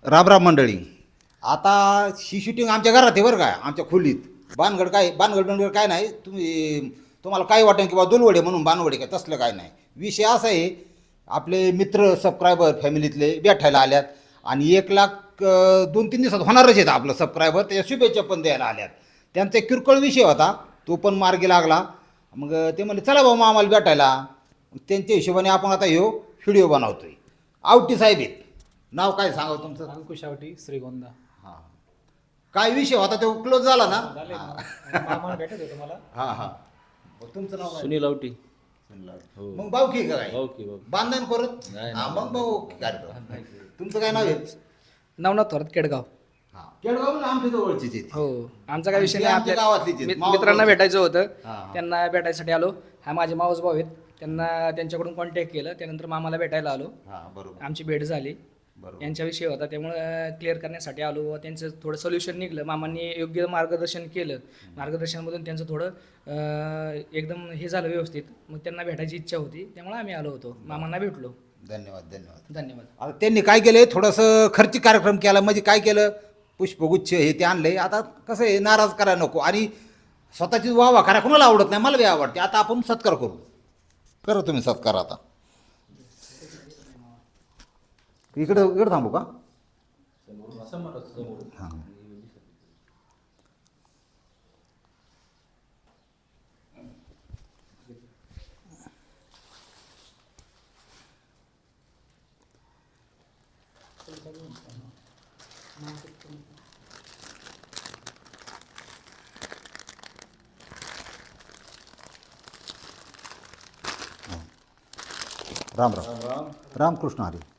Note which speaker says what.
Speaker 1: राम मंडळी. आता ही शूटिंग आमच्या घरात आहे बरं काय, आमच्या खोलीत. बानगड काय नाही. तुम्हाला काय वाटेल की बा दुलवडे म्हणून बानवडे काय तसलं काय नाही. विषय असा आहे, आपले मित्र सबस्क्रायबर फॅमिलीतले भेटायला आल्यात आणि 1,00,000 2-3 दिवसात होणारच आहेत आपलं सबस्क्रायबर. त्याच्या शुभेच्छा पण द्यायला आल्यात. त्यांचा एक किरकोळ विषय होता, तो पण मार्गी लागला. मग ते म्हणले चला भाऊ मग आम्हाला भेटायला. त्यांच्या हिशोबाने आपण आता ह्यो व्हिडिओ बनवतोय. आवटी साहेब आहेत. नाव काय सांगावं तुमचं?
Speaker 2: अंकुश आवटी, श्रीगोंदा.
Speaker 1: हां, काय विषय होता तो क्लोज झाला ना?
Speaker 2: मामा भेटत होतो मला.
Speaker 1: हां हां. तुमचं नाव काय?
Speaker 3: सुनील आवटी.
Speaker 1: हो. मग भाऊ की काय
Speaker 3: ओके
Speaker 1: बांधण करत. हां, मग भाऊ कार्यक्रम. तुमचं काय नाव आहे?
Speaker 2: नवनाथ थोरात, केडगाव.
Speaker 1: हां, केडगाव ना आमच्या जवळचीच आहेत.
Speaker 2: हो, आमचा काय विषय
Speaker 1: आणि
Speaker 2: नाही.
Speaker 1: ते आमच्या गावातलीच आहेत.
Speaker 2: मित्रांना भेटायचं होतं,
Speaker 1: हां.
Speaker 2: त्यांना भेटायसाठी आलो. हा माझे मावस भाऊ आहेत, त्यांना त्यांच्याकडून कॉन्टॅक्ट केलं. त्यानंतर मामाला भेटायला आलो.
Speaker 1: हां, बरोबर
Speaker 2: आमची भेट झाली.
Speaker 1: बरोबर.
Speaker 2: यांच्याविषयी होता, त्यामुळं क्लिअर करण्यासाठी आलो व त्यांचं थोडं सोल्युशन निघलं. मामांनी योग्य मार्गदर्शन केलं. मार्गदर्शनामधून त्यांचं थोडं एकदम हे झालं व्यवस्थित. मग त्यांना भेटायची इच्छा होती, त्यामुळे आम्ही आलो होतो. मामांना भेटलो.
Speaker 1: धन्यवाद धन्यवाद.
Speaker 2: धन्यवाद.
Speaker 1: आता त्यांनी काय केलं, थोडंसं खर्चिक कार्यक्रम केला. म्हणजे काय केलं, पुष्पगुच्छ हे ते आणले. आता कसं आहे, नाराज करायला नको. आणि स्वतःची वाह करा, कोणाला आवडत नाही, मला बी आवडते. आता आपण सत्कार करू. करा तुम्ही सत्कार. आता इकडं थांबू का? हां. राम राम. रामकृष्ण हरी.